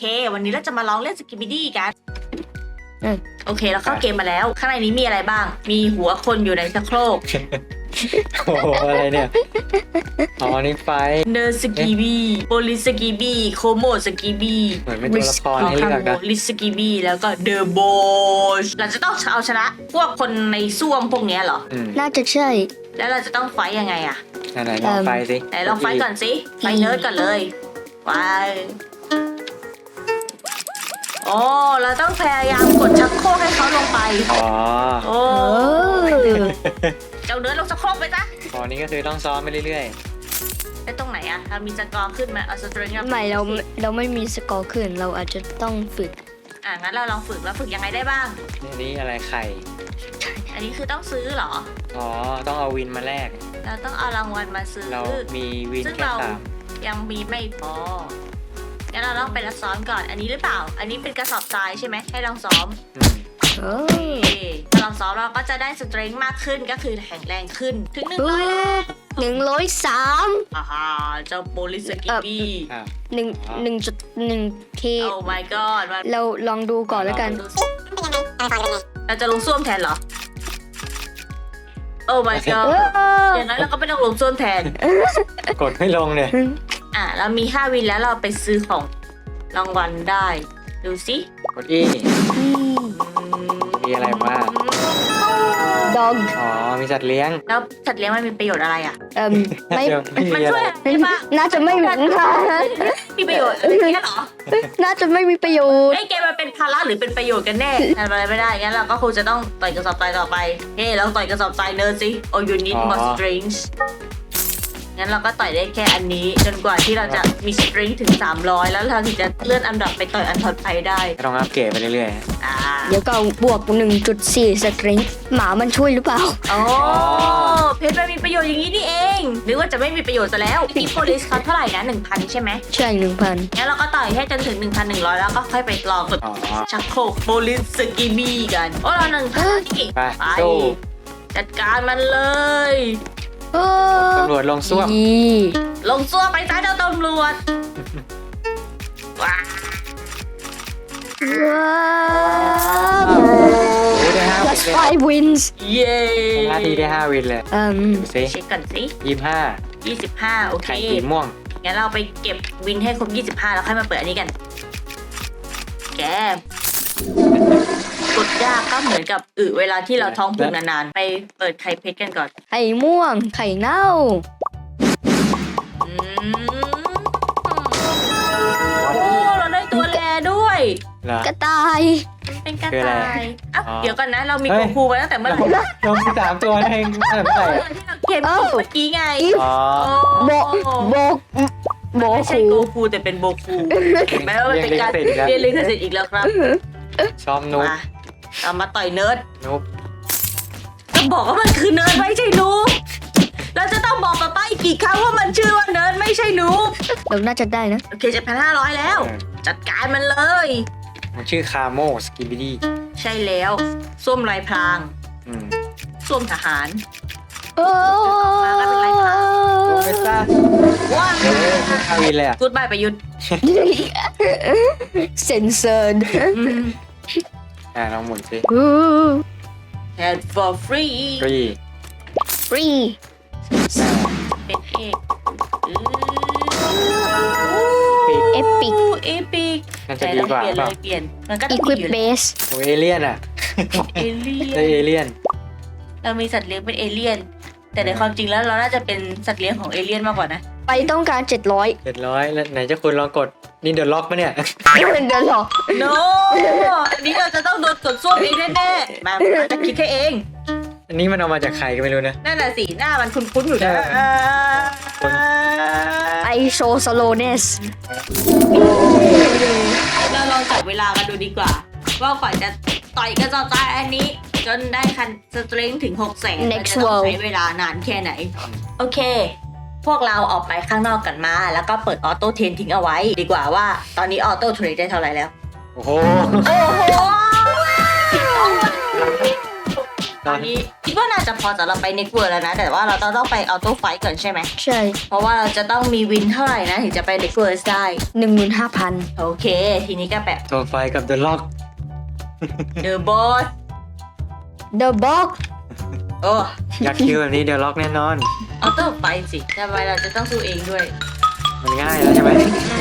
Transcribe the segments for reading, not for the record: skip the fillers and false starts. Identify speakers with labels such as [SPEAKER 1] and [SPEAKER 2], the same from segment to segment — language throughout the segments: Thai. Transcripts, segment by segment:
[SPEAKER 1] วันนี้เราจะมาลองเล่นสกิปปิดี้กันโอเคเราเข้าเกมมาแล้วข้างในนี้มีอะไรบ้างมีหัวคนอยู่ในชักโครก
[SPEAKER 2] โอ้โหอะไรเนี่ยอ๋อนี่ไฟ
[SPEAKER 1] เนอร์สกีบีโปลิสกีบีโคโมสกีบี
[SPEAKER 2] เหมือนเป็นตัวละครให้เลือกนะ
[SPEAKER 1] ลิสกีบีแล้วก็เดอะโบชเราจะต้องเอาชนะพวกคนในซ่วมพวกเนี้ยเหรอ
[SPEAKER 3] น่าจะใช่
[SPEAKER 1] แล้วเราจะต้องไฟยังไงอะ
[SPEAKER 2] ไหนลองไฟสิ
[SPEAKER 1] ไหนลองไฟก่อนสิไฟเนิร์ดก่อนเลยไฟโอ้เราต้องพยายามกดชักโครกให้เขาลงไป
[SPEAKER 2] อ๋อ
[SPEAKER 1] โอ้
[SPEAKER 3] เออ
[SPEAKER 1] เจ้าเนิร์ดลงชักโครกไปซะ
[SPEAKER 2] อ๋อนี่ก็คือต้องซ้อมไปเรื่อย
[SPEAKER 1] ไปตรงไหนอะเรามีสกอร์ขึ้นไหมเอาสตริง
[SPEAKER 3] ไม่เราไม่มีสกอร์ขึ้นเราอาจจะต้องฝึก
[SPEAKER 1] งั้นเราลองฝึกแล้วฝึกยังไงได้บ้าง
[SPEAKER 2] ๆนี่อะไรไข่
[SPEAKER 1] อันนี้คือต้องซื้อเหรอ
[SPEAKER 2] อ๋อต้องเอาวินมาแลก
[SPEAKER 1] เราต้องเอารางวัลมาซื้อ
[SPEAKER 2] เรามีวิน
[SPEAKER 1] ซึ่ง
[SPEAKER 2] แค่
[SPEAKER 1] เรา
[SPEAKER 2] สาม
[SPEAKER 1] ยังมีไม่พองั้นเราต้องไปซ้อมก่อน อันนี้หรือเปล่า อันนี้เป็นกระสอบทรายใช่ไหมให้ลองซ้อม
[SPEAKER 3] เออ
[SPEAKER 1] ถ้าลองซ้อมเราก็จะได้สเตรนจ์มากขึ้นก็คือแข็งแรงขึ้นถึง100แล้ว
[SPEAKER 3] 103
[SPEAKER 1] อ่าฮะเจ้าโปลิสกิบี้
[SPEAKER 2] อ่ะ
[SPEAKER 3] 1.1 k
[SPEAKER 1] โอ้ my god มัน
[SPEAKER 3] เราลองดูก่อนแล้วกัน
[SPEAKER 1] เราจะลงส้วมแทนเหรอ โอ้ my god อย่างนั้นเราก็ไม่ต้องลงส้วมแทน
[SPEAKER 2] กดไม่ลงเนี่ย
[SPEAKER 1] เรามี5วินแล้วเราไปซื้อของรางวัลได้ ดูสิ
[SPEAKER 2] กดอีมีอะไรบ้าง
[SPEAKER 3] ดอง
[SPEAKER 2] อ๋อมีสัตว์เลี้ยง
[SPEAKER 1] แล้วสัตว์เลี้ยงมันมีประโยชน์อะไรอ่ะ
[SPEAKER 3] ไม่
[SPEAKER 2] เดี๋ยวไม่
[SPEAKER 1] มัน
[SPEAKER 2] มีอะ
[SPEAKER 1] ช่ว
[SPEAKER 2] ไร
[SPEAKER 1] ยอะไรได้บ้าง
[SPEAKER 3] น่าจะไม่มี
[SPEAKER 1] มีประโยชน์อะไรเงี้ยเหรอ
[SPEAKER 3] น่าจะไม่มีประโยชน์
[SPEAKER 1] ไอ้เกมมันเป็นภาระหรือเป็นประโยชน์กันแน่ทำอะไรไม่ได้ งั้นเราก็คงจะต้องต่อยกระสอบทรายต่อไป เฮ้เราต่อยกระสอบทรายเนิร์ดสิ Oh you need more strings งั้นเราก็ต่อยได้แค่อันนี้ จนกว่าที่เราจะมีสตริงถึง300แล้วเราถึงจะเลื่อนอันดับไปต่อยอันถัดไปได้
[SPEAKER 2] ต้องอัปเกรดไปเรื่อย
[SPEAKER 1] อ่า
[SPEAKER 3] เดี๋ยวก็บวก 1.4 สตริงหมามันช่วยหรือเปล่า
[SPEAKER 1] โอ้เพชรมันมีประโยชน์อย่างนี้นี่เองหรือว่าจะไม่มีประโยชน์ซะแล้วที่โพลิสเขาเท่าไหร่นะ 1,000 ใช่ไหม
[SPEAKER 3] ใช่ 1,000
[SPEAKER 1] งั้นเราก็ต่อยให้จนถึง 1,100 แล้วก็ค่อยไปลองกด
[SPEAKER 2] ๆอ๋อ
[SPEAKER 1] ชักโครกโพลิสสกีบีกัน โอ้เรา1,000นี่
[SPEAKER 2] ไปสู้
[SPEAKER 1] จัดการมันเลย
[SPEAKER 2] ตำรวจลงส้วม
[SPEAKER 1] ลงซัวไปซ้ายเจ้าตำรวจว้า
[SPEAKER 3] ว้าว
[SPEAKER 2] โอ้ได้5วิน
[SPEAKER 3] plus
[SPEAKER 2] เลย
[SPEAKER 3] 5 wins
[SPEAKER 1] เย้
[SPEAKER 2] นาทีได้5วินเลยดูสิ
[SPEAKER 1] เช็คก่อนสิ
[SPEAKER 2] 25
[SPEAKER 1] 25 โอเค
[SPEAKER 2] ไข่สีม่วง
[SPEAKER 1] งั้นเราไปเก็บวินให้ครบ 25 แล้วค่อยมาเปิดอันนี้กัน แกกดยากก็เหมือนกับเวลาที่เราท้องผูกนานๆ ไปเปิดไข่เพชรกันก่อน
[SPEAKER 3] ไข่ม่วง ไข่เน่า
[SPEAKER 1] อืมโอ้เราได้ตัวแลด้วย
[SPEAKER 2] เหรอก
[SPEAKER 3] ระต่าย
[SPEAKER 1] เป็นกระ
[SPEAKER 2] คืออะไร
[SPEAKER 1] ต่ายอ่ะ
[SPEAKER 2] อ๋อ
[SPEAKER 1] เดี๋ยวก่อนนะ เรามี
[SPEAKER 2] เฮ้
[SPEAKER 1] โก
[SPEAKER 2] ย
[SPEAKER 1] คูมาตั้งแต่เมื่อไหร่
[SPEAKER 2] ลง3ตัวนั่นเองไม่ใช่
[SPEAKER 1] ที่เราเกมเมื่อกี้ไง
[SPEAKER 2] อ๋อ
[SPEAKER 3] โบโบโบ
[SPEAKER 1] ไม่ใช่
[SPEAKER 3] คู
[SPEAKER 1] โกคูแต่เป็นโบคูเห็นไหมว่ามันเป็นการเรียนลิขสิทธิ์อีกแล้วครับ
[SPEAKER 2] ซ้อมนุ๊ก
[SPEAKER 1] มาเรามาต่อยเนิร์ด
[SPEAKER 2] นุ๊ก
[SPEAKER 1] จะบอกว่ามันคือเนิร์ดไม่ใช่หนูเราจะต้องบอกป้าอีกกี่ครั้งว่ามันชื่อว่าเนิร์ดไม่ใช่หนู
[SPEAKER 3] เราน่าจะได้นะ
[SPEAKER 1] โอเค7,500แล้ว จัดการมันเลย
[SPEAKER 2] มันชื่อคาโมสกิบิดี้
[SPEAKER 1] ใช่แล้วส้วมลายพรางส้วมทหาร
[SPEAKER 3] โอ้
[SPEAKER 2] โอ้เมตา
[SPEAKER 1] ว้าว
[SPEAKER 2] 5วินเลยอ่ะ
[SPEAKER 1] กูดบายประยุทธ์
[SPEAKER 3] เซนเซอร์
[SPEAKER 2] ลองหมุนสิ
[SPEAKER 1] Head for free
[SPEAKER 2] ก็ยี
[SPEAKER 3] ฟรี
[SPEAKER 1] เป็นเอก
[SPEAKER 3] เอปิก
[SPEAKER 1] เอปิก
[SPEAKER 2] น่าจะดีกว่า
[SPEAKER 1] เปลี่ยน
[SPEAKER 2] เป
[SPEAKER 1] เล
[SPEAKER 2] ล่าย
[SPEAKER 1] เปลี่ยนมันก็
[SPEAKER 3] อี
[SPEAKER 1] ต้อง
[SPEAKER 3] ควิ
[SPEAKER 1] มี
[SPEAKER 3] ป
[SPEAKER 1] อยู่
[SPEAKER 3] เบ
[SPEAKER 1] แล้ว
[SPEAKER 3] ส
[SPEAKER 2] โอ้เอเลี่ยนอ่ะ
[SPEAKER 1] เอเลี่ย
[SPEAKER 2] ได้
[SPEAKER 1] น
[SPEAKER 2] เอเลี่ยน
[SPEAKER 1] เรามีสัตว์เลี้ยงเป็นเอเลี่ยน แต่ในความจริงแล้วเราน่าจะเป็นสัตว์เลี้ยงของเอเลี่ยนมากกว่านะ
[SPEAKER 3] ไปต้องการ 700
[SPEAKER 2] 700แล้วไหนจะคุณลองกดนี่เดอะล็อกปะเนี่ย
[SPEAKER 3] เดินหรอ
[SPEAKER 1] no อันนี้เราจะต้องโดนกดส้วมเองแน่ๆมาจะคิดแค่เอง
[SPEAKER 2] อันนี้มันเอามาจากใครก็ไม่รู้นะ
[SPEAKER 1] นั่นน่ะสิหน้ามันคุ้นๆอยู่นะ
[SPEAKER 2] คน
[SPEAKER 3] ไอโชสโลเนส
[SPEAKER 1] เราลองจับเวลากันดูดีกว่า ว่ากว่าจะต่อยกระสอบทรายอันนี้ จนได้คันสตริงถึง600,000เราจะต้องใช้เวลานานแค่ไหน โอเค พวกเราออกไปข้างนอกกันมา แล้วก็เปิดออโต้เทรนทิ้งเอาไว้ ดีกว่าว่าตอนนี้ออโต้เทรนได้เท่าไหร่แล้ว
[SPEAKER 2] โอ้โห
[SPEAKER 1] โอ้โหตอนนี้คิดว่าน่าจะพอสำหรับไปเน็กเวิร์แล้วนะ แต่ว่าเราต้องไปเอาตู้ไฟก่อนใช่ไหม
[SPEAKER 3] ใช่
[SPEAKER 1] เพราะว่าเราจะต้องมีวินเท่าไหร่นะถึงจะไปเน็กเวิร์ได้
[SPEAKER 3] 15,000
[SPEAKER 1] โอเค ทีนี้ก็แบบ
[SPEAKER 2] ตัวไฟกับเดอะล็อก
[SPEAKER 1] เดอะบอส
[SPEAKER 3] The Box
[SPEAKER 1] โอ้
[SPEAKER 2] อยากคิวแบบนี้เดอะล็อกแน่นอน
[SPEAKER 1] เอาตู้ไฟสิทำไมเราจะต้องสู้เองด้วย
[SPEAKER 2] มันง่ายแล้วใช่ไหม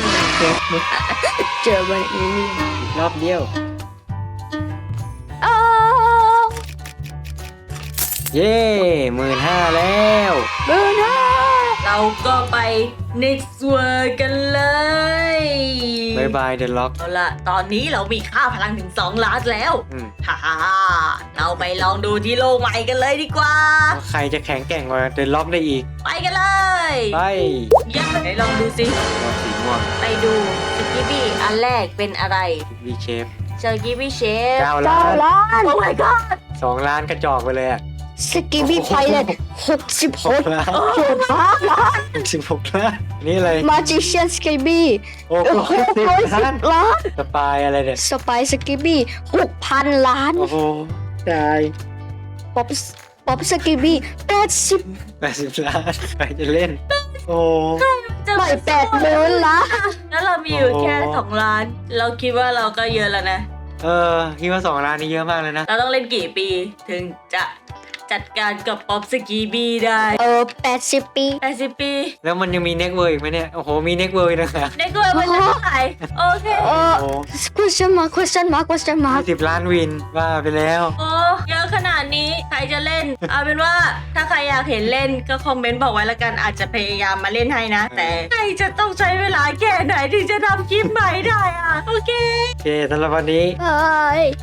[SPEAKER 3] เจอมันเอเลี่ยน
[SPEAKER 2] อีกรอบเดียว
[SPEAKER 3] อ้าว
[SPEAKER 2] เย้15,000แล้ว
[SPEAKER 3] เบอร์ห้า
[SPEAKER 1] เราก็ไป next world กันเลย
[SPEAKER 2] บายบายเดอะล็อก
[SPEAKER 1] เอาล่ะ ตอนนี้เรามีค่าพลังถึง2 ล้านแล้ว ฮ่าฮ่าเราไปลองดูที่โลกใหม่กันเลยดีกว่า
[SPEAKER 2] ใครจะแข็งแกร่งกว่าเดอะล็อกได้อีก
[SPEAKER 1] ไปกันเลย
[SPEAKER 2] ไป
[SPEAKER 1] ยังไหนลองดูสิ
[SPEAKER 2] ตัวสีม่วง
[SPEAKER 1] ไปดูสกิบบี้อันแรกเป็นอะไร
[SPEAKER 2] วีเชฟ
[SPEAKER 1] สกิบบี้เชฟ
[SPEAKER 2] 9 ล้าน
[SPEAKER 3] 9 ล้าน
[SPEAKER 1] โอ้ my god
[SPEAKER 2] 2 ล้านกระจอกไปเลยอ่ะ
[SPEAKER 3] สกิบี้ไพเลต66
[SPEAKER 2] ล้าน
[SPEAKER 3] 6 ล้าน
[SPEAKER 2] 16 ล้าน นี่อะไร
[SPEAKER 3] มาจิเชียนสกิบี้
[SPEAKER 2] โอ้โห10 ล้าน
[SPEAKER 3] ล้าน
[SPEAKER 2] สปายอะไรเนี่ย
[SPEAKER 3] สไปสกิบี้ 6,000 ล้าน
[SPEAKER 2] โอ้โหตาย
[SPEAKER 3] ป๊อปสกิบี้80
[SPEAKER 2] 80 ล้าน ใครจะเล่น โอ้
[SPEAKER 1] จะ
[SPEAKER 3] ไม่80,000 ล้าน
[SPEAKER 1] แล้วเรามีอยู่แค่
[SPEAKER 2] โอ้
[SPEAKER 1] 2 ล้าน เราคิดว่าเราก็เยอะแล้วนะ
[SPEAKER 2] คิดว่า2 ล้านนี่เยอะมากเลยนะ
[SPEAKER 1] เราต้องเล่นกี่ปีถึงจะจัดการกับป๊อปสกีบีได้
[SPEAKER 3] 80 ปี
[SPEAKER 1] 80 ปี
[SPEAKER 2] แล้วมันยังมีเน็กเวิร์อีกไหมเนี่ย โอ้โห มีเน็กเวิร์อีกนะคะ
[SPEAKER 1] ในกล้วยมันจะเท่าไหร่โอเค
[SPEAKER 2] โอ้โห
[SPEAKER 3] question mark
[SPEAKER 2] 20 ล้านวินว่าไปแล้ว
[SPEAKER 1] โอ้เยอะขนาดนี้ใครจะเล่น เอาเป็นว่าถ้าใครอยากเห็นเล่นก็คอมเมนต์บอกไว้แล้วกันอาจจะพยายามมาเล่นให้นะ แต่ใครจะต้องใช้เวลาแค่ไหนถึงจะทำคลิปใหม่ได้อะโอเค
[SPEAKER 2] โอเคสำหรับวันนี้
[SPEAKER 3] บาย